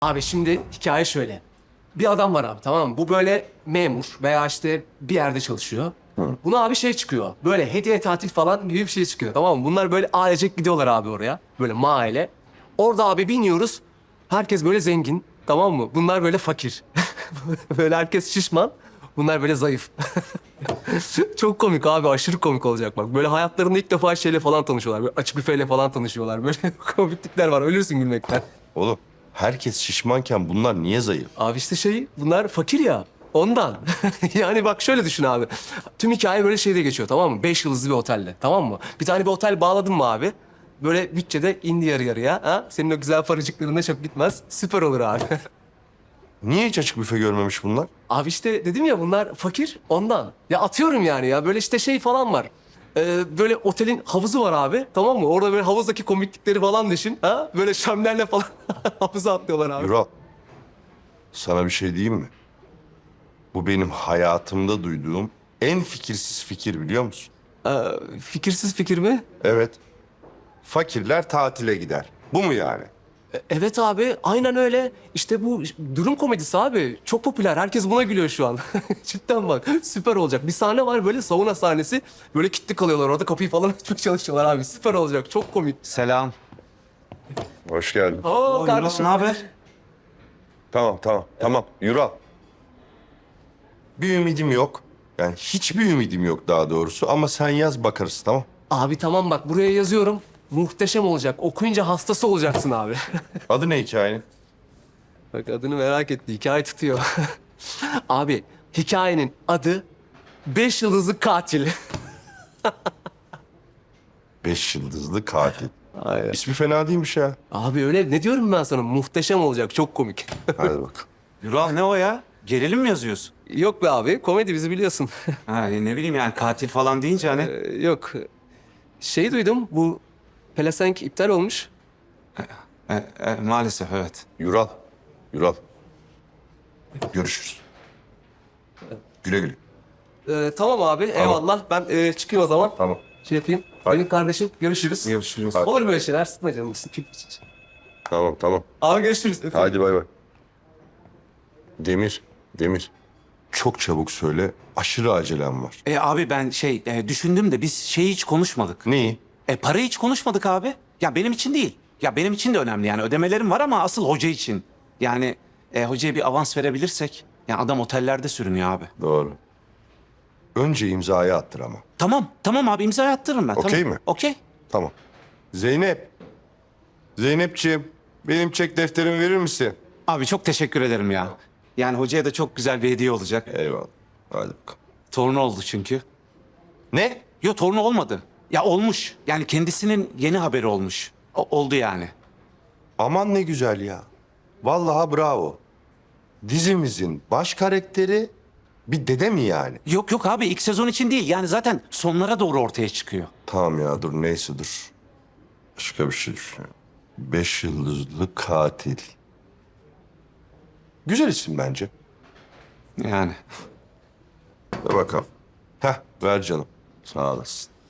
Abi şimdi hikaye şöyle. Bir adam var abi, tamam mı? Bu böyle memur veya işte bir yerde çalışıyor. Buna abi şey çıkıyor. Böyle hediye tatil falan gibi bir şey çıkıyor, tamam mı? Bunlar böyle ailecek gidiyorlar abi oraya. Böyle mahalle. Orada abi biniyoruz. Herkes böyle zengin, tamam mı? Bunlar böyle fakir. Böyle herkes şişman. Bunlar böyle zayıf. Çok komik abi, aşırı komik olacak bak. Böyle hayatlarında ilk defa şeyle falan tanışıyorlar. Böyle açık büfeyle falan tanışıyorlar. Böyle komiklikler var. Ölürsün gülmekten. Oğlum herkes şişmanken bunlar niye zayıf? Abi işte şey, bunlar fakir ya. Ondan. Yani bak şöyle düşün abi. Tüm hikaye böyle şeyde geçiyor, tamam mı? 5 yıldızlı bir otelde, tamam mı? Bir tane bir otel bağladın mı abi? Böyle bütçede indi yarı yarıya. Ha? Senin o güzel paracıklarına çok gitmez. Süper olur abi. Niye hiç açık büfe görmemiş bunlar? Abi işte dedim ya, bunlar fakir ondan. Ya atıyorum yani ya, böyle işte şey falan var. Böyle otelin havuzu var abi, tamam mı? Orada böyle havuzdaki komiklikleri falan düşün. Ha? Böyle şömlerle falan havuza atlıyorlar abi. Yural, sana bir şey diyeyim mi? Bu benim hayatımda duyduğum en fikirsiz fikir biliyor musun? Fikirsiz fikir mi? Evet. Fakirler tatile gider. Bu mu yani? Evet abi, aynen öyle. İşte bu durum komedisi abi. Çok popüler. Herkes buna gülüyor şu an. Cidden bak, süper olacak. Bir sahne var böyle, sauna sahnesi. Böyle kilitli kalıyorlar orada, kapıyı falan açmaya çalışıyorlar abi. Süper olacak. Çok komik. Selam. Hoş geldin. Oo kardeşim. Ne haber? Tamam. Yural. Bir ümidim yok. Yani hiçbir ümidim yok daha doğrusu. Ama sen yaz bakarız, tamam? Abi tamam bak, buraya yazıyorum. Muhteşem olacak. Okuyunca hastası olacaksın abi. Adı ne hikayenin? Bak adını merak etti. Hikaye tutuyor. Abi hikayenin adı 5 yıldızlı katil. 5 yıldızlı katil. Aynen. İsmi fena değilmiş ya. Abi öyle, ne diyorum ben sana? Muhteşem olacak. Çok komik. Hadi bakalım. Yural ne o ya? Gerilim mi yazıyorsun? Yok be abi. Komedi, bizi biliyorsun. Ha, ne bileyim yani katil falan deyince hani. Yok. Şey duydum. Bu pelesenk iptal olmuş. Maalesef evet. Yural. Görüşürüz. Güle güle. Tamam abi. Eyvallah. Ben çıkayım o zaman. Tamam. Şey yapayım. Hadi. Benim kardeşim. Görüşürüz. Görüşürüz. Hadi. Olur böyle şeyler. Sıkma canını. Tamam. Abi görüşürüz. Öpeyim. Hadi bay bay. Demir. Çok çabuk söyle. Aşırı acelem var. Abi ben düşündüm de biz şeyi hiç konuşmadık. Neyi? Parayı hiç konuşmadık abi. Ya benim için değil. Ya benim için de önemli yani ödemelerim var ama asıl hoca için. Yani hocaya bir avans verebilirsek. Ya adam otellerde sürünüyor abi. Doğru. Önce imzayı attır ama. Tamam abi imza attırırım ben. Okey tamam. mi? Okey. Tamam. Zeynepciğim, benim çek defterimi verir misin? Abi çok teşekkür ederim ya. Yani hocaya da çok güzel bir hediye olacak. Eyvallah. Hadi bakalım. Torunu oldu çünkü. Ne? Yok torunu olmadı. Ya olmuş. Yani kendisinin yeni haberi olmuş. Oldu yani. Aman ne güzel ya. Vallahi bravo. Dizimizin baş karakteri bir dede mi yani? Yok abi ilk sezon için değil. Yani zaten sonlara doğru ortaya çıkıyor. Tamam ya dur neyse dur. Başka bir şey düşünüyorum. 5 yıldızlı katil. Güzel isim bence. Yani. Ver bakalım. Heh ver canım. Sağ olasın.